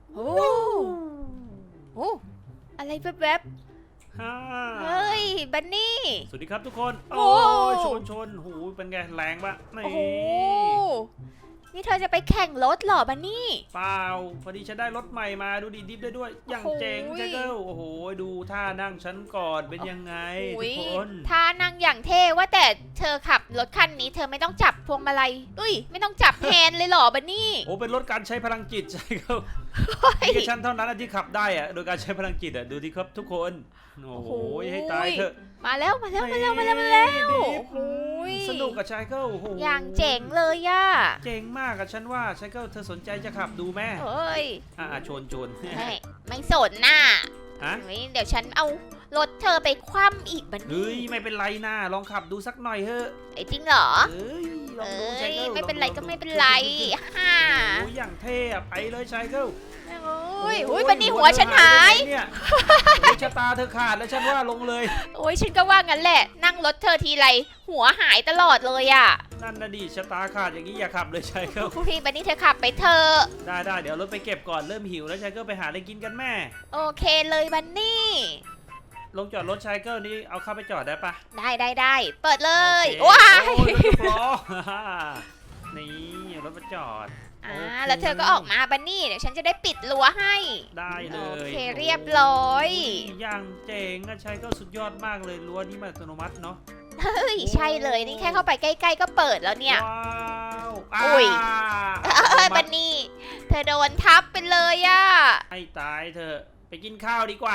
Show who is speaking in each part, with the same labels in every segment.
Speaker 1: โอ้โอ้อะไรแวบ
Speaker 2: ฮ่า
Speaker 1: ๆเฮ้ยบันนี่
Speaker 2: สวัสดีครับทุกคน
Speaker 1: โอ้
Speaker 2: ชนหูเป็นไงแรงปะนี่
Speaker 1: โอ้โหนี่เธอจะไปแข่งรถเหรอบันนี่
Speaker 2: เปล่าพอดีฉันได้รถใหม่มาดูดิดิฟได้ด้วยอย่างเจ๋ง
Speaker 1: โอ้โห
Speaker 2: ใช่เกิลโอ้โหดูท่านั่งฉันก่อนเป็นยังไง
Speaker 1: อุ๊
Speaker 2: ทุ
Speaker 1: ย
Speaker 2: กคน
Speaker 1: ท่านั่งอย่างเท่ว่าแต่เธอขับรถคันนี้เธอไม่ต้องจับพวงมาลัยไม่ต้องจับแฮนด์เลยเหรอบันนี่
Speaker 2: โอ้เป็นรถการใช้พลังจิตใช่เกิล
Speaker 1: เฮ้ย
Speaker 2: มีแค่ฉันเท่านั้นนะที่ขับได้อะโดยการใช้พลังจิตอะดูดิครับทุกคนโอ้โหให้ตายเถอะ
Speaker 1: มาแล้ว
Speaker 2: ดิฟ
Speaker 1: โอ้ย
Speaker 2: สนุกกับชายเกิลโอ้โห
Speaker 1: อย่างเจ๋งเลยย่า
Speaker 2: เจ๋งมากอะฉันว่าชายเกิลเธอสนใจจะขับดูแม่
Speaker 1: เฮ้ย
Speaker 2: ชน
Speaker 1: ไม่สนน่ะ
Speaker 2: ฮะ
Speaker 1: เฮ้ยเดี๋ยวฉันเอารถเธอไปคว่ำอีกบัน
Speaker 2: เฮ้
Speaker 1: นี่
Speaker 2: ยไม่เป็นไรนะลองขับดูสักหน่อยเถอะ
Speaker 1: ไอ้จริงเหรอ
Speaker 2: เอ้ยลอง
Speaker 1: เอ้
Speaker 2: ดูชาย
Speaker 1: ย
Speaker 2: เกิล
Speaker 1: ไม่เป็นไร
Speaker 2: ลอง
Speaker 1: ก็
Speaker 2: ดู
Speaker 1: ไม่เป็นไรฮ่า
Speaker 2: โอ้ยอย่างเท่อะไปเลยชายเกิล
Speaker 1: โอ้ยบันนี่หัวฉันหาย
Speaker 2: เนี่ยโอ้ยชะตาเธอขาดแล้วฉันว่าลงเลย
Speaker 1: โอ้ยฉันก็ว่างั้นแหละ นั่งรถเธอทีไรหัวหายตลอดเลยอ่ะ
Speaker 2: นั่นนะดิชะตาขาดอย่างนี้อย่าขับเลยชายเกิล
Speaker 1: พี่บันนี่เธอขับไปเธอะ
Speaker 2: ได้เดี๋ยวรถไปเก็บก่อนเริ่มหิวแล้วชายเกิลไปหาอะไรกินกันแม่
Speaker 1: โอเคเลยบันนี่
Speaker 2: ลงจอดรถชายเกิลนี่เอาเข้าไปจอดได้ปะ
Speaker 1: ได้เปิดเลย
Speaker 2: โอเค
Speaker 1: ว้าย
Speaker 2: โอ้ยรถยกล้อ นี่รถมาจอด
Speaker 1: อ่า
Speaker 2: โอเค
Speaker 1: แล้วเธอก็ออกมาบันนี่เดี๋ยวฉันจะได้ปิดรั้วให้
Speaker 2: ได้เล
Speaker 1: โอย เคเรียบร้อย
Speaker 2: อย่างเจ๋งอะชายเกิลสุดยอดมากเลยรั้วนี้มันอัตโนมัติเนาะ
Speaker 1: เฮ้ยใช่เลยนี่แค่เข้าไปใกล้ๆก็เปิดแล้วเนี่ย
Speaker 2: ว้าว
Speaker 1: อุ้ย เอ้ย
Speaker 2: มั
Speaker 1: บันนี่เธอโดนทับไปเลยอะ
Speaker 2: ให้ตายเถอะไปกินข้าวดีกว่า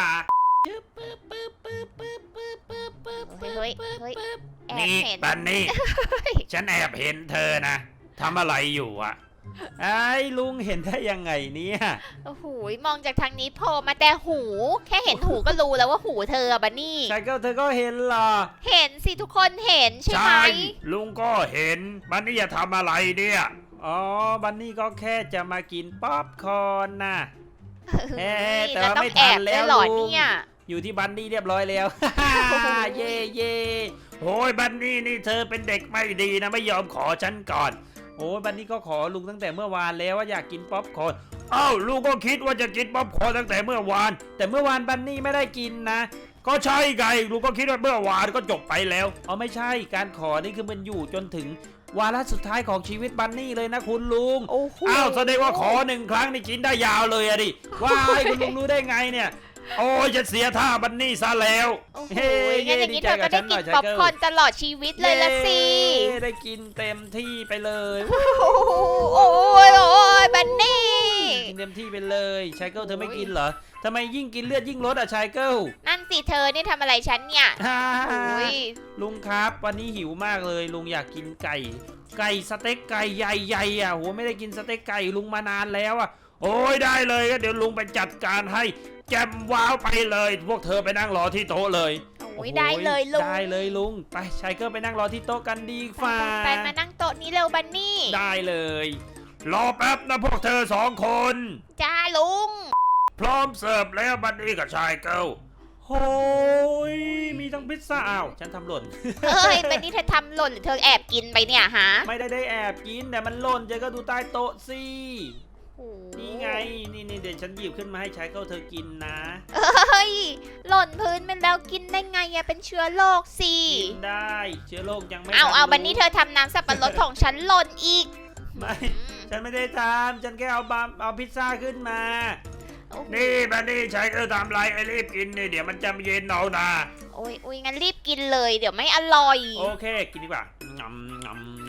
Speaker 1: เฮ้ยแอบ
Speaker 2: นี่
Speaker 1: เห็น
Speaker 2: บันนี่ ฉันแอบเห็นเธอนะทำอะไรอยู่อะไอ้ลุงเห็นได้ยังไงเนี่ย
Speaker 1: โอ้โหมองจากทางนี้โผล่มาแต่หู แค่เห็นหูก็รู้แล้วว่าหูเธออะบันนี่
Speaker 2: ชายเกิลเธอก็เห็นเหรอ
Speaker 1: เห็นสิทุกคนเห็นใช่ไหม
Speaker 2: ลุงก็เห็นบันนี่จะทำอะไรเนี่ยอ๋อบันนี่ก็แค่จะมากินป๊อปคอร์นนะ
Speaker 1: เฮ้ย
Speaker 2: แต่
Speaker 1: แล้ว
Speaker 2: ว่า
Speaker 1: ต้อ
Speaker 2: ไม่
Speaker 1: ง
Speaker 2: ทั
Speaker 1: แอน บ
Speaker 2: แล้
Speaker 1: ด้
Speaker 2: ว
Speaker 1: วยเหรอ
Speaker 2: ลุง
Speaker 1: เนี่ย
Speaker 2: อยู่ที่บันนี่เรียบร้อยแล้ว เย่โอ้ยบันนี่นี่เธอเป็นเด็กไม่ดีนะไม่ยอมขอฉันก่อนโอ้ยบันนี่ก็ขอลุงตั้งแต่เมื่อวานแล้วว่าอยากกินป๊อปคอร์นอ้าวลุงก็คิดว่าจะกินป๊อปคอร์นตั้งแต่เมื่อวาน แต่เมื่อวานบันนี่ไม่ได้กินนะก็ใช่ไงลุงก็คิดว่าเมื่อวานก็จบไปแล้วอ๋อไม่ใช่การขอนี่คือมันอยู่จนถึงวาระสุดท้ายของชีวิตบันนี่เลยนะคุณลุง
Speaker 1: โอ้โห
Speaker 2: อ้าวแสดงว่าขอหนึ่งครั้งนี่กินได้ยาวเลยอะดิว้ายคุณลุงรู้ได้ไงเนี่ยโอ้ยจะเสียท่าบันนี่ซะแล้ว
Speaker 1: โอ้โห
Speaker 2: เฮ้
Speaker 1: งั้นอย่างนี้เธอก็ได้กิน
Speaker 2: ใจ
Speaker 1: ป๊อป
Speaker 2: เกิล
Speaker 1: คอร์นตลอดชีวิตเลยละสิ
Speaker 2: เย้ได้กินเต็มที่ไปเลย
Speaker 1: โอ้ยบันนี่
Speaker 2: กินเต็มที่ไปเลยชายเกิลเธอไม่กินเหรอทำไมยิ่งกินเลือดยิ่งลดอะชายเกิล
Speaker 1: นั่นสิเธอนี่ทำอะไรฉันเนี่ย
Speaker 2: ฮ่า
Speaker 1: โอ้ย
Speaker 2: ลุงครับวันนี้หิวมากเลยลุงอยากกินไก่สเต็กไก่ใหญ่ๆอ่ะโหไม่ได้กินสเต็กไก่ลุงมานานแล้วอ่ะโอ้ยได้เลยก็เดี๋ยวลุงไปจัดการให้แจมว้าวไปเลย พวกเธอไปนั่งรอที่โต๊ะเลย
Speaker 1: โอ้ยได้เลยลุง
Speaker 2: ได้เลยลุงไปชายเกิลไปนั่งรอที่โต๊ะกันดีฟ้า
Speaker 1: ไปมานั่งโต๊ะนี้เร็วบันนี่
Speaker 2: ได้เลย รอแป๊บนะพวกเธอสองคน
Speaker 1: จ้าลุง
Speaker 2: พร้อมเสิร์ฟแล้วบันนี่กับชายเกิลโอ้ยมีทั้งพิซซ่าอ้าวฉันทำหล่น
Speaker 1: เอ้ยบันนี่เธอทำหล่นหรือเธอแอบกินไปเนี่ยฮะ
Speaker 2: ไม่ได้แอบกินแต่มันหล่นเจ๊ก็ดูใต้โต๊ะสิ
Speaker 1: โอ้โห
Speaker 2: นี่ไงนี่เดี๋ยวฉันหยิบขึ้นมาให้ชายเกิลเธอกินนะ
Speaker 1: เอ้ยหล่นพื้นไปแล้วกินได้ไงอะเป็นเชื้อโรคสิ
Speaker 2: กินได้เชื้อโรคยังไม่
Speaker 1: เอา
Speaker 2: ทัรู้
Speaker 1: บันนี่เธอทำน้ำสับปะรดของฉันหล่นอีก
Speaker 2: ไม่ฉันไม่ได้ทำฉันแค่เอาพิซซ่าขึ้นมา
Speaker 1: โอ้โห
Speaker 2: นี่บันนี่ชายเกิลทำไรไอ้รีบกินนี่เดี๋ยวมันจะเย็นเอานะ
Speaker 1: โอ้ยงั้นรีบกินเลยเดี๋ยวไม่อร่อย
Speaker 2: โอเคกินดีกว่างำ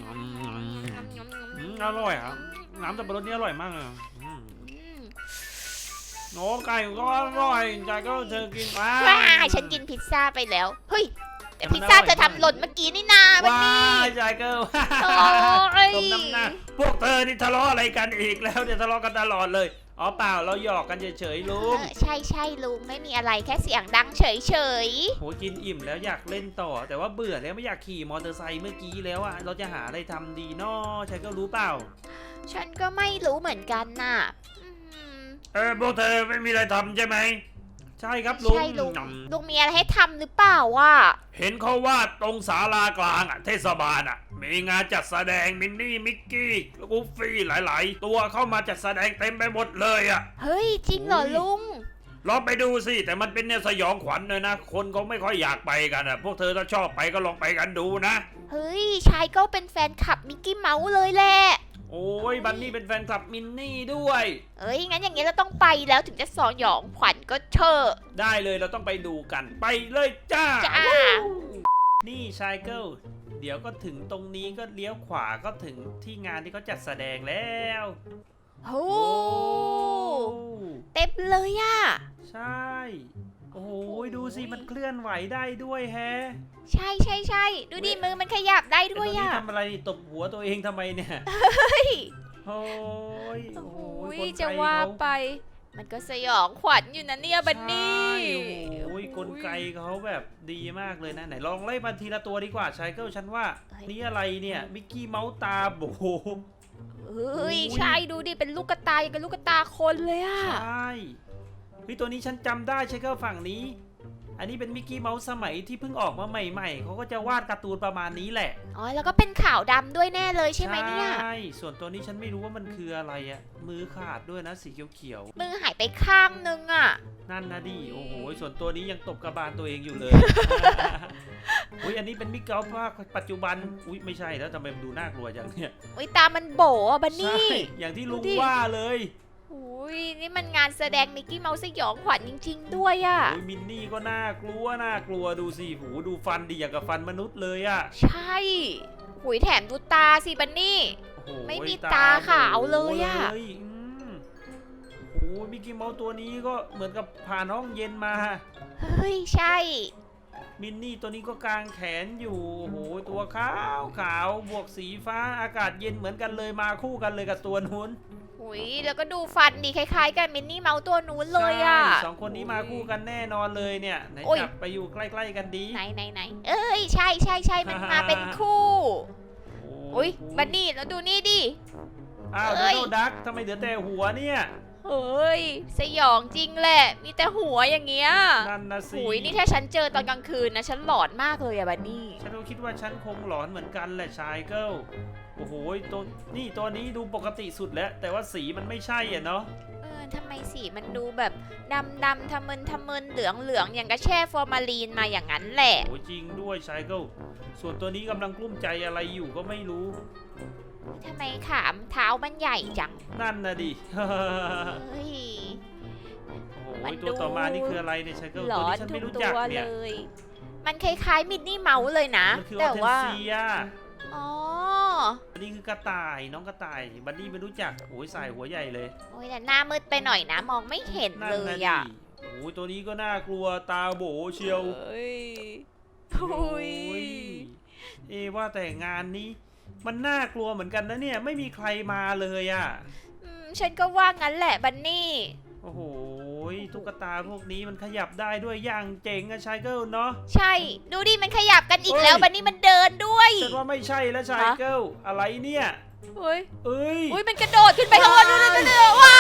Speaker 2: อร่อยครับน้ำสับปะรดนี่อร่อยมากเลยโอ้ไก่ก็อร่อยชายเกิลเธอกินว้า
Speaker 1: ว้ายฉันกินพิซซ่าไปแล้ว เฮ้ย แต่พิซซ่าเธอทำหล่นเมื่อกี้นี่นาบัน
Speaker 2: ว้า
Speaker 1: นี่
Speaker 2: ยชายเกิล
Speaker 1: โอ้ย
Speaker 2: สมน้ำหน้าพวกเธอนี่ทะเลาะอะไรกันอีกแล้วเนี่ยทะเลาะกันตลอดเลยอ๋อเปล่าเราหยอกกันเฉยๆลุง
Speaker 1: ใช่ลุงไม่มีอะไรแค่เสียงดังเฉย
Speaker 2: โหกินอิ่มแล้วอยากเล่นต่อ แต่ว่าเบื่อแล้วไม่อยากขี่มอเตอร์ไซค์เมื่อกี้แล้วอ่ะเราจะหาอะไรทำดีน้อชายเกิลรู้เปล่า
Speaker 1: ๆฉันก็ไม่รู้เหมือนกันน่ะอืม
Speaker 2: พวกเธอไม่มีอะไรทำใช่ไหมใช่ครับลุง
Speaker 1: ใช่ลุง
Speaker 2: อืม
Speaker 1: ลุงมีอะไรให้ทำหรือเปล่าวะ
Speaker 2: เห็นเขาว่าตรงศาลากลางอ่ะเทศบาลอ่ะมีงานจัดแสดงมินนี่มิกกี้กูฟี่หลาย ๆ ตัวเข้ามาจัดแสดงเต็มไปหมดเลยอ่ะ
Speaker 1: เฮ้ยจริงเหรอลุง
Speaker 2: ลองไปดูสิแต่มันเป็นแนวสยองขวัญเลยนะคนเขาไม่ค่อยอยากไปกันอ่ะพวกเธอถ้าชอบไปก็ลองไปกันดูนะ
Speaker 1: เฮ้ยชายก็เป็นแฟนคลับมิกกี้เมาส์เลยแหละ
Speaker 2: โอ้ยบันนี่เป็นแฟนคลับมินนี่ด้วย
Speaker 1: เอ้ยงั้นอย่างเงี้ยเราต้องไปแล้วถึงจะสยองขวัญก็เถอะ
Speaker 2: ได้เลยเราต้องไปดูกันไปเลยจ้า
Speaker 1: จ้า
Speaker 2: นี่ชายเกิลเดี๋ยวก็ถึงตรงนี้ก็เลี้ยวขวาก็ถึงที่งานที่เขาจัดแสดงแล้ว
Speaker 1: โอ้เต็มเลยอะ
Speaker 2: ใช่ โอ้ยดูสิมันเคลื่อนไหวได้ด้วยแฮะ
Speaker 1: ใช่ใช่ใช่ดูดิมือมันขยับได้ด้วย
Speaker 2: ไอ้
Speaker 1: อะ
Speaker 2: ตัวนี้ทำอะไรตบหัวตัวเองทำไมเนี่ย
Speaker 1: เฮ้ย
Speaker 2: โอ้ย
Speaker 1: โอ้โห
Speaker 2: กลไก
Speaker 1: จะว่า
Speaker 2: เข
Speaker 1: ไป มันก็สยองขวัญอยู่นะเนี่ยบันนี่
Speaker 2: ใช่โอ้ยกลไกเขาแบบดีมากเลยนะไหนลองไล่มาทีละตัวดีกว่าชายเกิลฉันว่านี่อะไรเนี่ยมิกกี้เมาส์ตาโบ
Speaker 1: เฮ้ยใช่ดูดิเป็นลูกกระตายกับลูกกระตาคนเลยอะ
Speaker 2: ใช่เฮ้ยตัวนี้ฉันจำได้ชายเกิลฝั่งนี้ อันนี้เป็นมิกกี้เมาส์สมัยที่เพิ่งออกมาใหม่ๆเขาก็จะวาดการ์ตูนประมาณนี้แหละ
Speaker 1: อ๋อแล้วก็เป็นขาวดำด้วยแน่เลยใช่ไหมเนี่ย
Speaker 2: ใช่ส่วนตัวนี้ฉันไม่รู้ว่ามันคืออะไรอะมือขาดด้วยนะสีเขียว
Speaker 1: มือหายไปข้างนึงอะ
Speaker 2: ๆนั่นนะดิโอ้โหส่วนตัวนี้ยังตบกระบาลตัวเองอยู่เลย อุ้ยอันนี้เป็นมิกเกลภาคปัจจุบันอุ้ยไม่ใช่แล้วทำไมมันดูน่ากลัวจังเนี่ย
Speaker 1: อุ้ยตามันโบอะบัน
Speaker 2: ใช่
Speaker 1: นี่
Speaker 2: อย่างที่ลุง
Speaker 1: ดูดิ
Speaker 2: ว่าเลย
Speaker 1: อุ้ยนี่มันงานแสดงมิกกี้เมาส์สยองขวัญจริง ๆ ด้วยอะ
Speaker 2: อุ้ยมินนี่ก็น่ากลัวดูสิหูดูฟันดีอย่างกับฟันมนุษย์เลยอะ
Speaker 1: ใช่หุยแถมดูตาสิบันนี่
Speaker 2: โอ้โห
Speaker 1: ไม่มีตาขาวเลยอะ
Speaker 2: โมโอ้มิกกี้เมาส์ตัวนี้ก็เหมือนกับผ่านห้องเย็นมา
Speaker 1: เฮ้ยใช่
Speaker 2: มินนี่ตัวนี้ก็กางแขนอยู่โอ้โหตัวขาวบวกสีฟ้าอากาศเย็นเหมือนกันเลยมาคู่กันเลยกับตัวนู้น
Speaker 1: หุยแล้วก็ดูฟันดีคล้ายๆกันมินนี่เมาส์ตัวนู้นเลยอะ
Speaker 2: ใช่สองคนนี้มาคู่กันแน่นอนเลยเนี่ยไหน
Speaker 1: โอ้ย
Speaker 2: จับไปอยู่ใกล้ๆกันดี
Speaker 1: ไหนเอ้ยใช่มันมาเป็นคู่อุ้ยบันนี่แล้วดูนี่ดิ
Speaker 2: อ้าว
Speaker 1: เอ้
Speaker 2: โด
Speaker 1: ย
Speaker 2: นัลด์ดักทำไมเหลือแต่หัวเนี่ย
Speaker 1: เฮ้ยสยองจริงแหละ มีแต่หัวอย่างเงี้ย
Speaker 2: นั่นนะสิ
Speaker 1: หุยนี่ถ้าฉันเจอตอนกลางคืนนะฉันหลอนมากเลยอะบันนี่
Speaker 2: ฉันก็คิดว่าฉันคงหลอนเหมือนกันแหละชายเกิลโอ้โหตัวนี้ดูปกติสุดแล้ว แต่ว่าสีมันไม่ใช่อ่ะเนาะ
Speaker 1: ทำไมสีมันดูแบบดำทะมึนเหลืองอย่างกระแช่ฟอร์มาลีนมาอย่างนั้นแหละ
Speaker 2: โอ้จริงด้วยชายเกิลส่วนตัวนี้กำลังกลุ้มใจอะไรอยู่ก็ไม่รู้
Speaker 1: ทำไมขามเท้ามันใหญ่จัง
Speaker 2: นั่นนะดิ
Speaker 1: เฮ้ย
Speaker 2: โอ้
Speaker 1: มัน
Speaker 2: ย
Speaker 1: ดู
Speaker 2: ตัวต่อมานี่คืออะไรเนี่ยชายเกิล
Speaker 1: หล
Speaker 2: ตัว
Speaker 1: อน
Speaker 2: นี้ฉัน
Speaker 1: ทุ
Speaker 2: ไม่
Speaker 1: ก
Speaker 2: รู้
Speaker 1: ตั
Speaker 2: จัก
Speaker 1: ว
Speaker 2: เนี่
Speaker 1: เลย ย มันคล้ายๆมิดนี่เมาส์เลยนะ
Speaker 2: มันคืออ
Speaker 1: แต่
Speaker 2: อเทน
Speaker 1: ว่า
Speaker 2: เซีย
Speaker 1: อ๋อ
Speaker 2: อันนี้คือกระต่ายน้องกระต่ายบัดดี้ไม่รู้จักโอ้ยใส่หัวใหญ่เลย
Speaker 1: โอ้ยแต่หน้ามืดไปหน่อยนะ มองไม่เห็น
Speaker 2: นั่น
Speaker 1: เล
Speaker 2: นะ
Speaker 1: ย
Speaker 2: ดิ
Speaker 1: อ่ะ
Speaker 2: โอ้ยตัวนี้ก็น่ากลัวตาโบเชียว
Speaker 1: เฮ้ย
Speaker 2: โอ้ยว่าแต่งานนี้ มันน่ากลัวเหมือนกันนะเนี่ยไม่มีใครมาเลยอ่ะ
Speaker 1: ฉันก็ว่างั้นแหละบันนี่
Speaker 2: โอ้โหตุ๊กตาพวกนี้มันขยับได้ด้วยอย่างเจ๋งอะชายเกิลเนาะ
Speaker 1: ใช่ ดูดิมันขยับกันอีกแล้ว
Speaker 2: เฮ้ย
Speaker 1: บันนี่มันเดินด้วย
Speaker 2: ฉันว่าไม่ใช่แล้วชายเกิลอะไรเนี่ย
Speaker 1: เฮ้ย
Speaker 2: เอ้ย
Speaker 1: อุ้ยมันกระโดดขึ้นไปข้างบนดูดิว้าย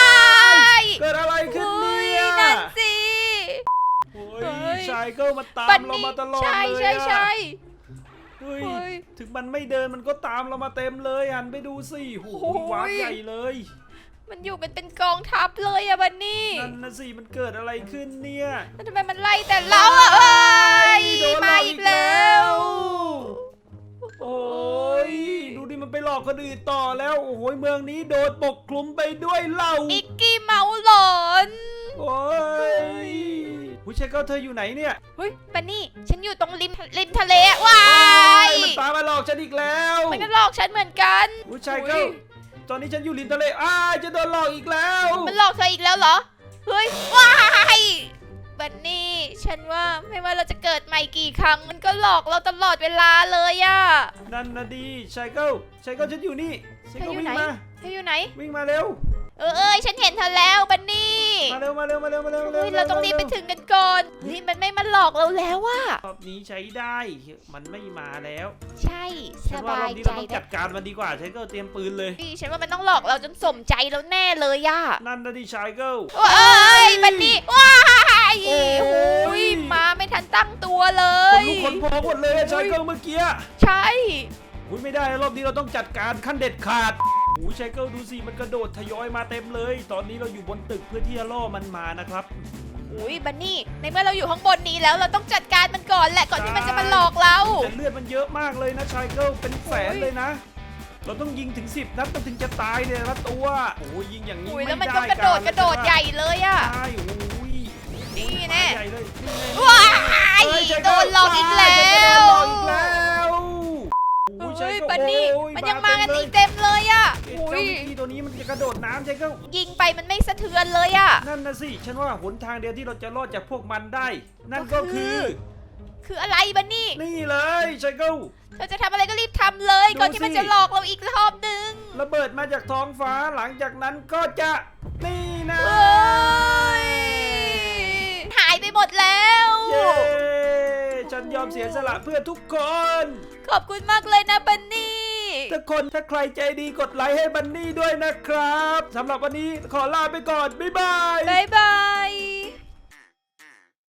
Speaker 2: เกิดอะไรขึ้นเนี่ย
Speaker 1: นั่นสิ
Speaker 2: โอ้
Speaker 1: เฮ้
Speaker 2: ย
Speaker 1: ย
Speaker 2: ชายเกิลมันตาม
Speaker 1: บัน
Speaker 2: เรา
Speaker 1: นี่
Speaker 2: มาตลอด
Speaker 1: ใช่
Speaker 2: เลย
Speaker 1: ใช่
Speaker 2: อะ
Speaker 1: ใช่
Speaker 2: เฮ้ย
Speaker 1: เฮ้ย
Speaker 2: ถึงมันไม่เดินมันก็ตามเรามาเต็มเลยหันไปดูสิโอ้โห
Speaker 1: โอ้ย
Speaker 2: วาร์ปใหญ่เลย
Speaker 1: มันอยู่เป็นกองทัพเลยอะบันนี่
Speaker 2: นั่นนะสิมันเกิดอะไรขึ้นเนี่ย
Speaker 1: แล้วทำไมมันไล่แต่เราอะเอ้ย
Speaker 2: โดนหล
Speaker 1: มา
Speaker 2: อก
Speaker 1: อีกแล้ว
Speaker 2: โอ้ยดูดิมันไปหลอกคนอื่นต่อแล้ว โอ้โหเมืองนี้โดนปกคลุมไปด้วยเหล้า
Speaker 1: มิกกี้เมาส์หลอน
Speaker 2: โอ้ยผู้ชายเก้าเธออยู่ไหนเนี่ย
Speaker 1: เฮ้ยบันนี่ฉันอยู่ตรงริมทะเลอะว้าย
Speaker 2: มันตามมาหลอกฉันอีกแล้ว
Speaker 1: มันก็หลอกฉันเหมือนกัน
Speaker 2: ผู้ชายเก้าตอนนี้ฉันอยู่ริมทะเลจะโดนหลอกอีกแล้ว
Speaker 1: มันหลอกเธออีกแล้วเหรอ เฮ้ย ว้ายบันนี่ฉันว่าไม่ว่าเราจะเกิดใหม่กี่ครั้ง มันก็หลอกเราตลอดเวลาเลยอะ
Speaker 2: นั่นนะดีชายเก้าฉันอยู่นี่ชายเก้าวิ่งมา
Speaker 1: เธออยู่ไหน
Speaker 2: วิ่งมาเร็ว
Speaker 1: เอ้ยฉันเห็นเธอแล้วบันนี่
Speaker 2: มาเร็ว
Speaker 1: เฮ้ยเราต้องรีบไปถึงกันก่อนเฮ้ยมันไม่มาหลอกเราแล้วอะ
Speaker 2: รอบนี้ใช้ได้ มันไม่มาแล้ว
Speaker 1: ใช่ส
Speaker 2: ฉันว่าร
Speaker 1: บา
Speaker 2: อบ
Speaker 1: ย
Speaker 2: นี้
Speaker 1: ใจ
Speaker 2: เราต้อง
Speaker 1: ได้
Speaker 2: จัดการมันดีกว่าชายเก้าเตรียมปืนเลย
Speaker 1: ฉันว่ามันต้องหลอกเราจนสมใจแล้วแน่เลยอะ
Speaker 2: นั่นนะดิชายเก้า
Speaker 1: เอ้ยบันนี่ว้าายโอ้ยมาไม่ทันตั้งตัวเล
Speaker 2: คน
Speaker 1: ย
Speaker 2: ลุกคนพองหมดเลยชายเกิลเมื่อกี้
Speaker 1: ใช่
Speaker 2: อุ้ยไม่ได้รอบนี้เราต้องจัดการขั้นเด็ดขาดโอ้ยชายเกิลดูสิมันกระโดดทยอยมาเต็มเลย ตอนนี้เราอยู่บนตึกเพื่อที่จะล่อมันมานะครับ
Speaker 1: อุ้ยบันนี่ในเมื่อเราอยู่ข้างบนนี้แล้วเราต้องจัดการมันก่อนแหละก่อนที่มันจะมาหลอกเรา
Speaker 2: แต่เลือดมันเยอะมากเลยนะชายเกิลเป็นแสนเลยนะ เราต้องยิงถึง10 นัดมันถึงจะตายเนี่ยละตัวโอ้ยยิงอย่างนี้
Speaker 1: อุ้ย
Speaker 2: ไม่
Speaker 1: แล้วมัน
Speaker 2: ได้
Speaker 1: ก็กระโดดใหญ่เลยอะ
Speaker 2: ใช่โอ้ย
Speaker 1: นี่แน่
Speaker 2: ใหญ่เลยนี่ไง
Speaker 1: ว้าย
Speaker 2: เฮ้ยชาย
Speaker 1: โด
Speaker 2: เกิล
Speaker 1: นหลอกอีกแล้
Speaker 2: โด
Speaker 1: วน
Speaker 2: หลอกอีกแล้วโอ้ยชาย
Speaker 1: เฮ้ย
Speaker 2: เกิล
Speaker 1: บันนี่
Speaker 2: โอ้ย
Speaker 1: มันยังมากันอีกเต็มเลยอะ
Speaker 2: เจ้า
Speaker 1: อุ้ย
Speaker 2: วิกกี้ตัวนี้มันจะกระโดดน้ำชายเกิล
Speaker 1: ยิงไปมันไม่สะเทือนเลยอะ
Speaker 2: นั่นนะสิฉันว่าหนทางเดียวที่เราจะรอดจากพวกมันได้ นั่นก็คือ
Speaker 1: คืออะไรบันนี่
Speaker 2: นี่เลยชายเกิล
Speaker 1: เธอจะทำอะไรก็รีบทำเลย
Speaker 2: ดู
Speaker 1: ก่อนที่มัน
Speaker 2: สิ
Speaker 1: จะหลอกเราอีกรอบนึง
Speaker 2: ระเบิดมาจากท้องฟ้าหลังจากนั้นก็จะนี่นะ
Speaker 1: เฮ้ยหายไปหมดแล้ว
Speaker 2: เย้ฉันยอมเสียสละเพื่อทุกคน
Speaker 1: ขอบคุณมากเลยนะบันนี่
Speaker 2: ทุกคนถ้าใครใจดีกดไลค์ให้บันนี่ด้วยนะครับสำหรับวันนี้ขอลาไปก่อนบ๊ายบาย
Speaker 1: บ๊ายบ